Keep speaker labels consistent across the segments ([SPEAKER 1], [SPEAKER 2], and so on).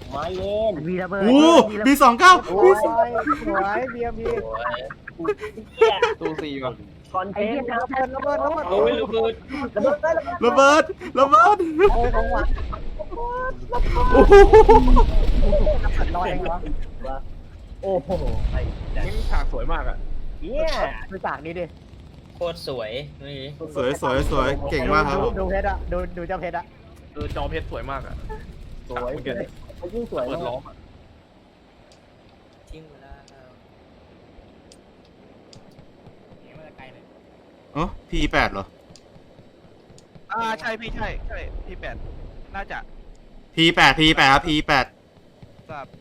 [SPEAKER 1] มาเย็น
[SPEAKER 2] มีระเบิด
[SPEAKER 3] โอ้มี29
[SPEAKER 2] โอ้ยสวยเบียร์มี
[SPEAKER 4] ตู้สี่ว่ะ
[SPEAKER 1] คอนเท
[SPEAKER 2] ไอ้
[SPEAKER 1] น
[SPEAKER 2] เหี้ย
[SPEAKER 1] ต์
[SPEAKER 2] ระเบิด
[SPEAKER 1] โอ้ยระเบิด
[SPEAKER 3] ระเบิด
[SPEAKER 2] โอ้ยของหวาน
[SPEAKER 3] โอ้โห
[SPEAKER 2] ลอยเองเหรอ
[SPEAKER 1] โอ้โหไอ้
[SPEAKER 4] นี่ฉากสวยมากอ่ะ
[SPEAKER 1] เนี่ย
[SPEAKER 2] ดูจากนี้ดิ
[SPEAKER 5] โคตรสวยนี่
[SPEAKER 3] สวยเก่งมากครับผม
[SPEAKER 2] ดูเพชรอะดูเจ้าเพชรอะ
[SPEAKER 4] จอเพชรสวยมากอ่ะ
[SPEAKER 1] สวยยิ่งสวย
[SPEAKER 4] เปิดล้อม
[SPEAKER 5] ทิ้งเวลา
[SPEAKER 3] อ๋อ P8 เหรอ
[SPEAKER 4] ใช่พี่ใช่พี่แปดน่าจะ
[SPEAKER 3] P8 ครับ P8
[SPEAKER 4] ทราบ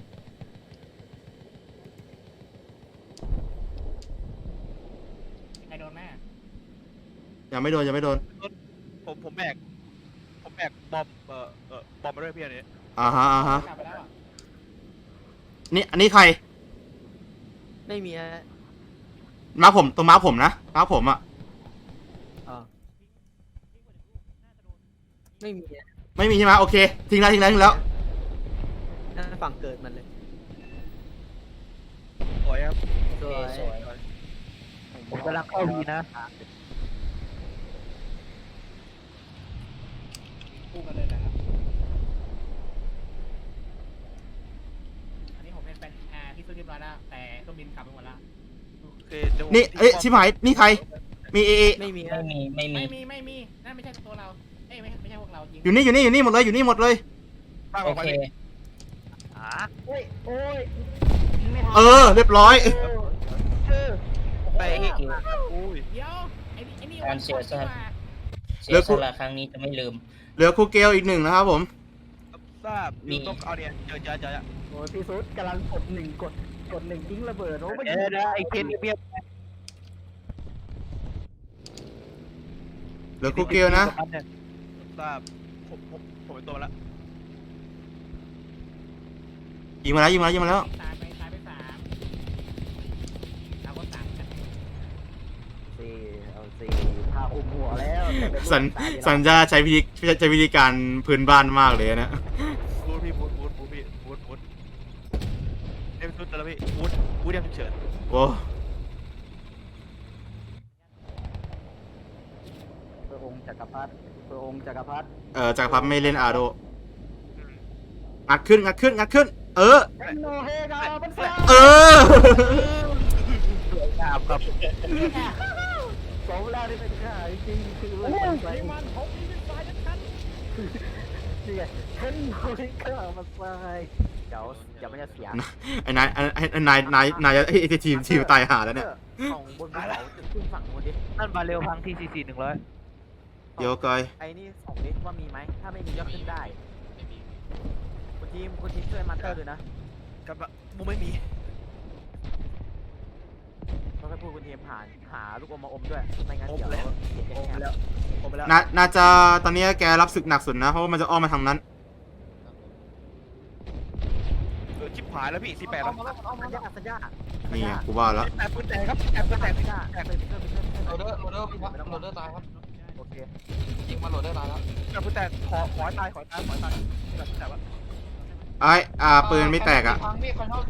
[SPEAKER 2] ใครโดนแม่
[SPEAKER 3] ยังไม่โดน
[SPEAKER 4] ผมแบกบอมบอมมาด้วยพี่อันนี้
[SPEAKER 3] อ่าฮะ
[SPEAKER 2] กลับไปแล้วอะ
[SPEAKER 3] นี่อันนี้ใคร
[SPEAKER 5] ไม่มีฮะ
[SPEAKER 3] มาผมตรงมาผมนะมาผมอ่ะ
[SPEAKER 5] ไม่มี
[SPEAKER 3] ไม่มีใช่ไหมโอเคทิ้งแล้ว
[SPEAKER 5] นั่นฝั่งเกิดมันเลย
[SPEAKER 4] สวยครับ
[SPEAKER 5] สวย
[SPEAKER 2] ผมกำลังเข้าดีนะคู่กันเลยนะครับอันนี้ผมเป็นที่ซื้อเรียบร้อยแล้วแต่เครื่องบินขับไปหมดแล้ว
[SPEAKER 4] โอเคเดี๋ยว
[SPEAKER 3] นี่ชิบหายนี่ใครมีเอ
[SPEAKER 5] ไม่มี
[SPEAKER 2] ไม่มีนั่นไม่ใช่ตัวเราเอ้ยไม่ใช่พวกเราจริง
[SPEAKER 3] อยู่นี่หมดเลย
[SPEAKER 4] ตั้ง
[SPEAKER 5] โอ
[SPEAKER 4] ออกไป
[SPEAKER 5] เค
[SPEAKER 2] โอ้ย
[SPEAKER 3] เรียบร้อย
[SPEAKER 4] ไปอุ้ย
[SPEAKER 2] เดี๋ยวไอ้นี่
[SPEAKER 5] การเสียสละ
[SPEAKER 3] แล้
[SPEAKER 5] เสี
[SPEAKER 3] ว
[SPEAKER 5] ย
[SPEAKER 3] กู
[SPEAKER 5] สละครั้งนี้จะไม่ลืม
[SPEAKER 3] เหลือครูเกลอีก1นะครับผม
[SPEAKER 4] ทราบอยู่ต้องเอาเนี่ยเจอ
[SPEAKER 2] โอ้ยพี่ซุดกำลังกด1กด1ทิ้งระเบิดโอ้ไม่
[SPEAKER 4] ไอ้เคนเบียบ
[SPEAKER 3] เหลือครูเกลนะ
[SPEAKER 4] ทราบผมเป็นตัวมาแล้ว
[SPEAKER 3] ยิงมาแล้ว
[SPEAKER 2] ตายไป3เราก็ต่างกันสี่พาอุ้มหัวแล้ว
[SPEAKER 3] สัญญาใช้วิธีการพื้นบ้านมากเลยนะ
[SPEAKER 4] บูดพี่บูดเอ็มซุดแล้วพี่บูดยังเฉิน
[SPEAKER 3] โอ้
[SPEAKER 2] พระองค์จักรพรรดิจักรพรรดิ
[SPEAKER 3] จักรพรรดิไม่เล่นอาโดงัดขึ้น
[SPEAKER 2] โนเฮกามันซ่า
[SPEAKER 4] สวยงามครับ
[SPEAKER 2] สองเวลาที่เป็นข้าจริงคือมันผมนี่เป็นฝ่ายชัดนี่ไงเห็นโนเฮกามันซ่าเดี๋ยวมันจะเสีย
[SPEAKER 3] ไอ้นายจะไอ้ทีมตายหาแล้วเนี่ย
[SPEAKER 2] ของบนภูเขาจุดขึ้นฝั่งบนดิ
[SPEAKER 4] นั่นมาเร็วพังที่44 100
[SPEAKER 3] เดี๋ยวกอย
[SPEAKER 2] ไอ้นี่ส่องดิว่ามีไหมถ้าไม่มีก็ขึ้นได้คุณทีมช่วยมาเตอร์ด้วยนะ
[SPEAKER 4] กับบูไม่มี
[SPEAKER 2] ต้องให้พูดคุณทีมหาลูกอมมาอมด้วยไม่งั้น
[SPEAKER 4] อม
[SPEAKER 2] เดี๋ยว
[SPEAKER 4] แล้ว
[SPEAKER 2] เสีย
[SPEAKER 4] อม
[SPEAKER 2] แค่
[SPEAKER 4] แล้วอมแล้ว
[SPEAKER 3] น่าจะตอนนี้แกรับศึกหนักสุดนะเพราะว่ามันจะอ้อมมาทางนั้น
[SPEAKER 4] ชิบหายแล้วพี่48แล้ว
[SPEAKER 2] สัญญา
[SPEAKER 3] นี่ไงกูว่าแล้ว
[SPEAKER 4] แต่ปืนแตกครับแต่ปืนแตก
[SPEAKER 2] สัญญาโหลดเดอร์พี่ครับโหลดเดอร์ตายครับโอเคยิงมาโหลดเดอร์ตายแล้ว
[SPEAKER 4] แต่ปืนแตกขอให้ตายแต่ว่า
[SPEAKER 3] ปืนไม่แตกอ่ะ
[SPEAKER 2] คุณ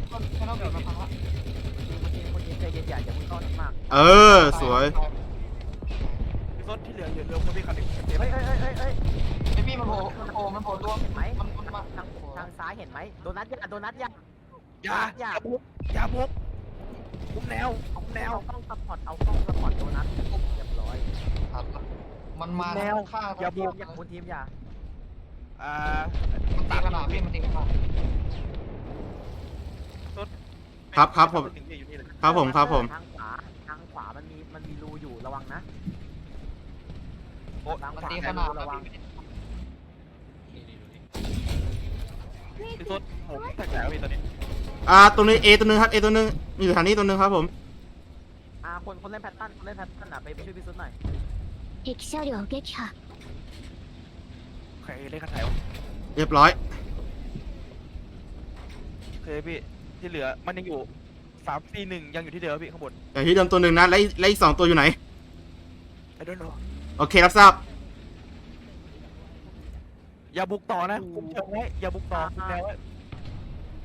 [SPEAKER 2] ทีมใจเย็นอย่าเพิ่งเข้าหนักมาก
[SPEAKER 3] สวย
[SPEAKER 4] พี่ซดที่เหลือคนพี่คันนึง
[SPEAKER 2] เฮ้ย
[SPEAKER 6] ไอพี่มันโผล่ตัว
[SPEAKER 2] เห็นไหม
[SPEAKER 6] มันมา
[SPEAKER 2] ทางซ้ายเห็นไหมโดนัทอย่า
[SPEAKER 4] อย่าบุกคุมแนว
[SPEAKER 2] เอากล้องซัพพอร์ตโดนัทเรียบร้อย
[SPEAKER 6] มันมาข้าง
[SPEAKER 2] คุณทีมอย่า
[SPEAKER 6] มันตีขนาดพี่มันตีขนาด
[SPEAKER 3] ครับผม
[SPEAKER 2] ทางขวามันมีรูอยู่ระวังนะ ทาง
[SPEAKER 6] มัน
[SPEAKER 2] ขวา
[SPEAKER 6] ตี
[SPEAKER 2] มี
[SPEAKER 6] ขนา
[SPEAKER 2] รู
[SPEAKER 6] ด
[SPEAKER 2] ระวัง
[SPEAKER 4] พี่ซดผมแตกแล้วพี่ตอนนี้
[SPEAKER 3] ตัวนี้ A ตัวนึงครับ A ตัวนึงอยู่แถวนี้ตัวนึงครับผม
[SPEAKER 2] คนเล่นแพทตันไปช่วยพี่ซุดหน่อย
[SPEAKER 7] 敵車両撃破
[SPEAKER 4] ใครเล่นคันไหนวะ
[SPEAKER 3] เรียบร้อย
[SPEAKER 4] เคยพี่ที่เหลือมันยังอยู่3-4-1ยังอยู่ที่เดิมพี่ข้างบน
[SPEAKER 3] อย่างที่เดิมตัวหนึ่งนะและอีก2ตัวอยู่ไหน
[SPEAKER 4] I don't know
[SPEAKER 3] โอเครับทราบ
[SPEAKER 4] อย่าบุกต่อนะคุมเชิงไว้อย่าบุกต่อคุมแนวไว้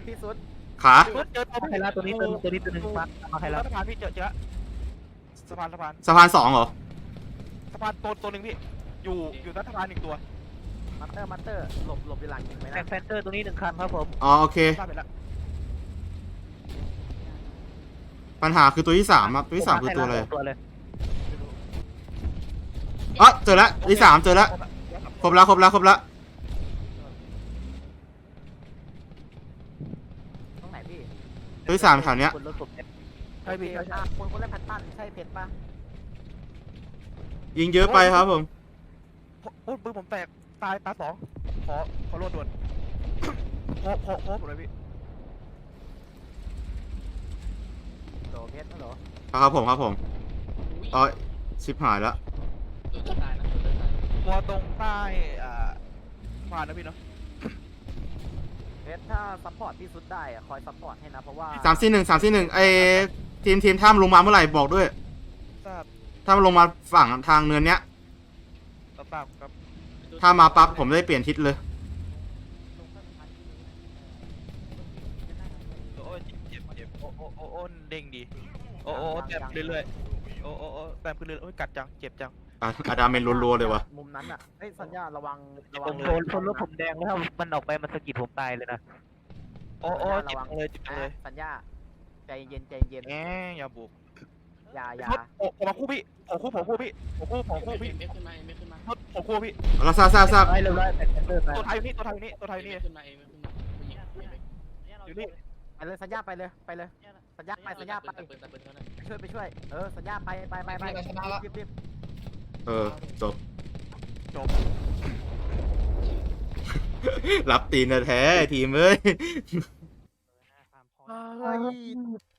[SPEAKER 2] พี่สุด
[SPEAKER 3] ขา
[SPEAKER 4] สุดเจอตัว
[SPEAKER 2] ใครละตัวนี้ตัวนี้ตัวหนึ่งมาใครละ
[SPEAKER 4] สะพานพี่เจอสะพาน
[SPEAKER 3] สะพาน2เหรอ
[SPEAKER 4] สะพานตัวหนึ่งพี่อยู่ใต้สะพาน1ตัว
[SPEAKER 2] มัตเตอร์หลบอยู่หลังยิงไหมนะแฟนเตอร์ตัวนี้1 คันครับผม
[SPEAKER 3] อ๋อโอเค
[SPEAKER 4] ทราบไปแล้ว
[SPEAKER 3] ปัญหาคือตัวที่3ครับตัวที่3คือตัวอะไร
[SPEAKER 2] ตัวเลย
[SPEAKER 3] อ๋อเจอแล้วตัวที่3เจอแล้วครบแล้ว
[SPEAKER 2] ตรงไหนพี่
[SPEAKER 3] ตัวที่3แถวเนี้ย
[SPEAKER 2] คนรถผมเนี่ย
[SPEAKER 4] ใช่พี่ใช่
[SPEAKER 2] คนเล่นแพทตันใช่เพชรปะ
[SPEAKER 3] ยิงเยอะไปครับผม
[SPEAKER 4] โอ้ปืนผมแตกตาย2ขอโลดด่วนโคผมเลยพี่
[SPEAKER 2] โหลเพชรเหรอ
[SPEAKER 3] ครับผมอ๋อชิบหายแล้ว
[SPEAKER 4] ตัวตรงใต้สะพานนะพี่เนาะ
[SPEAKER 2] เพชรถ้าซัพพอร์ตพี่สุดได้อะคอยซัพพอร์ตให้นะเพราะว่า
[SPEAKER 3] 341ไอทีมถ้ามันลงมาเมื่อไหร่บอกด้วย
[SPEAKER 4] ทราบ
[SPEAKER 3] ถ้ามันลงมาฝั่งทางเนินเนี้ย
[SPEAKER 4] ทราบครับ
[SPEAKER 3] ถ้ามาปั๊บผมได้เปลี่ยนทิศเลย
[SPEAKER 4] โอ้ยเจ็บโอ้เด้งดีโอ้แต้มเรื่อยๆโอ้แต้มขึ้นเรื่อยๆโอ้ยกัดจังเจ็บจัง
[SPEAKER 3] อาดาเมนรัวๆเลยวะ
[SPEAKER 2] มุมนั้นอ่ะเฮ้ยสัญญาระวัง
[SPEAKER 8] ผมโดนรถผมแดงแล้วถ้ามันออกไปมันสะกิดผมตายเลยนะ
[SPEAKER 4] โอ้เจ็บเลยเจ็บเลย
[SPEAKER 2] สัญญาใจเย็น
[SPEAKER 4] แงอย่าบุก
[SPEAKER 2] อย่า
[SPEAKER 4] โอ้มาคู่พี่ขอคู่พี่ไม่ขึ้นมาขอคู่พี่
[SPEAKER 3] เราทราบ
[SPEAKER 2] ไปเร็วๆแต่เตอร์ไป
[SPEAKER 4] ตัวไทยนี่อยู่นี่
[SPEAKER 2] ไปเลยสัญญาไปเลยสัญญาไปช่วยสัญญาไปรีบ
[SPEAKER 3] จบ
[SPEAKER 4] จบ
[SPEAKER 3] รับตีนแท้ๆทีมเอ้ย
[SPEAKER 2] เฮ้ย